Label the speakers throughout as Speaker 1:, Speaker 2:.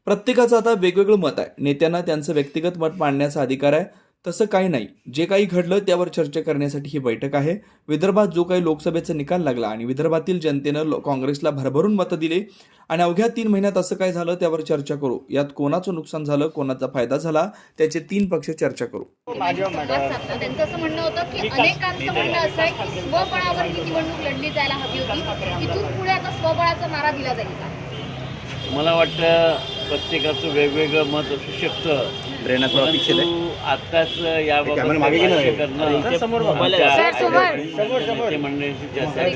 Speaker 1: प्रत्येकाचं आता वेगवेगळं मत आहे. नेत्यांना त्यांचं व्यक्तिगत मत मांडण्याचा अधिकार आहे. तसं काही नाही. जे काही घडलं त्यावर चर्चा करण्यासाठी ही बैठक आहे. विदर्भात जो काही लोकसभेचा निकाल लागला आणि विदर्भातील जनतेनं काँग्रेसला भरभरून मतं दिली आणि अवघ्या 3 महिन्यात असं काय झालं त्यावर चर्चा करू. यात कोणाचं नुकसान झालं, कोणाचा फायदा झाला, त्याचे 3 पक्ष चर्चा करू.
Speaker 2: त्यांचं असं म्हणणं होतं की अनेकांचं म्हणणं असं आहे की स्वबळावर ही निवडणूक लढली जायला हवी होती. इथून पुढे आता स्वबळाचा नारा दिला जाईल का?
Speaker 3: मला वाटतं प्रत्येकाचं वेगवेगळं मत असू शकतं. परंतु आत्ताच याबाबत भाष्य करणं मंडळींची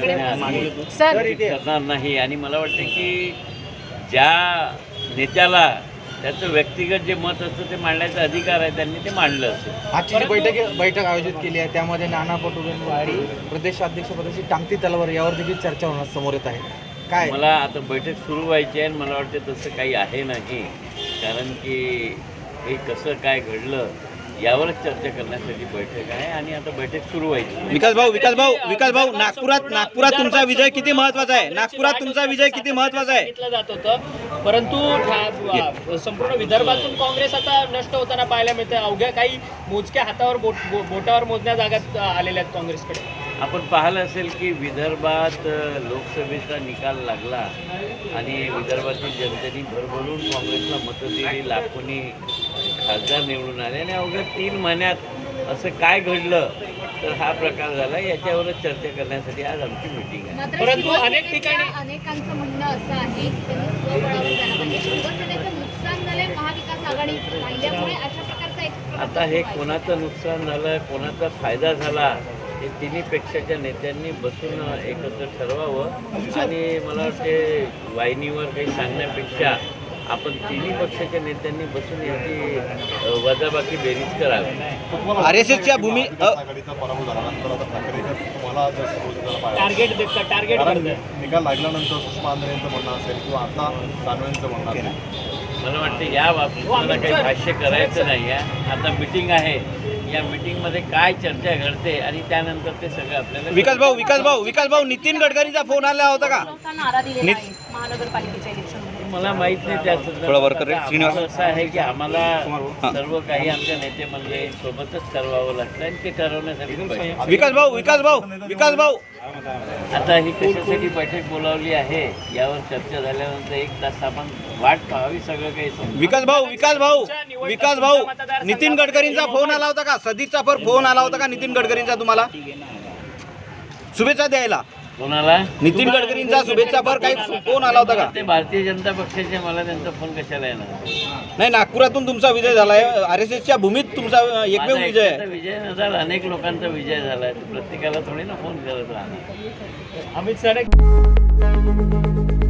Speaker 3: चर्चा करणार नाही. आणि मला वाटतं की ज्या नेत्याला त्याचं व्यक्तिगत जे मत असतं ते मांडण्याचा अधिकार आहे, त्यांनी ते मांडलं असेल.
Speaker 4: आजची जी बैठक आयोजित केली आहे त्यामध्ये नाना पटोलेंवरती प्रदेशाध्यक्षपदाची टांगती तलवार यावर देखील चर्चा होणार समोर येत आहे. काय
Speaker 3: मला आता बैठक सुरू व्हायची आहे आणि मला वाटतं तसं काही आहे नाही. कारण की हे कसं काय घडलं यावरच चर्चा करण्यासाठी बैठक आहे आणि आता बैठक सुरू व्हायची.
Speaker 5: विकास भाऊ नागपुरात तुमचा विजय किती महत्त्वाचा आहे? नागपुरात तुमचा विजय किती महत्त्वाचा आहे
Speaker 6: सांगितलं जात होतं, परंतु संपूर्ण विदर्भातून काँग्रेस आता नष्ट होताना पाहायला मिळते. अवघ्या काही मोजक्या हातावर बोटावर मोजण्या जागात आलेल्या आहेत काँग्रेसकडे.
Speaker 3: आपण पाहिलं असेल की विदर्भात लोकसभेचा निकाल लागला आणि विदर्भातील जनतेने भरभरून काँग्रेसला मतं दिली, लाखोनी खासदार निवडून आले आणि अवघ्या 3 महिन्यात असं काय घडलं तर हा प्रकार झाला. याच्यावरच चर्चा करण्यासाठी आज आमची मीटिंग आहे.
Speaker 6: परंतु अनेक ठिकाणी
Speaker 2: अनेकांचं म्हणणं असं आहे की त्यांनी स्वबळावर जायला पाहिजे. शिवसेनेचं नुकसान झालंय महाविकास आघाडी राहिल्यामुळे अशा प्रकारचा एक
Speaker 3: आता हे कोणाचं नुकसान झालं, कोणाचा फायदा झाला हे तिन्ही पेक्षाच्या नेत्यांनी बसून एकत्र ठरवावं. आणि मला वाटते वाहिनीवर काही सांगण्यापेक्षा आपण तिन्ही पक्षाच्या नेत्यांनी बसून याची वजाबाकी बेरीज करावी.
Speaker 5: आरएसएसच्या भूमी
Speaker 7: आघाडीचा पराभव झाल्यानंतर आता ठाकरे तुम्हाला
Speaker 6: टार्गेट
Speaker 7: निकाल लागल्यानंतर सुषमा आंध्रे यांचं म्हणणं असेल किंवा आता दानवेंचं म्हणणं असेल.
Speaker 3: मला वाटतं या बाबतीत मला काही भाष्य करायचं नाही आहे. आता मीटिंग आहे, या मीटिंगमध्ये काय चर्चा घडते आणि त्यानंतर ते सगळं आपल्याला.
Speaker 5: विकास भाऊ नितीन गडकरींचा फोन आला होता का?
Speaker 2: नारा दिलेला आहे महानगरपालिकेच्या इलेक्शनमध्ये.
Speaker 3: मला माहित नाही त्याचं. असं आहे की आम्हाला सर्व काही आमच्या नेते मंडळी सोबतच ठरवावं लागतं आणि ते ठरवण्यासाठी
Speaker 5: विकास भाऊ
Speaker 3: आता ही कशासाठी बैठक बोलावली आहे यावर चर्चा झाल्यानंतर 1 तास आपण वाट पाहावी. सगळं काही
Speaker 5: विकास भाऊ नितीन गडकरींचा फोन आला होता का? सदिच्छा फोन आला होता का नितीन गडकरींचा तुम्हाला शुभेच्छा द्यायला?
Speaker 3: कोणाला?
Speaker 5: नितीन गडकरींचा शुभेच्छा काही फोन आला होता का?
Speaker 3: ते भारतीय जनता पक्षाचे, मला त्यांचा फोन कशाला येणार?
Speaker 5: नाही, नागपुरातून तुमचा विजय झालाय. आरएसएसच्या भूमीत तुमचा एकमेव विजय आहे.
Speaker 3: विजय नसाल, अनेक लोकांचा विजय झालाय. प्रत्येकाला थोडी ना फोन करत राहणार.
Speaker 6: अमित सर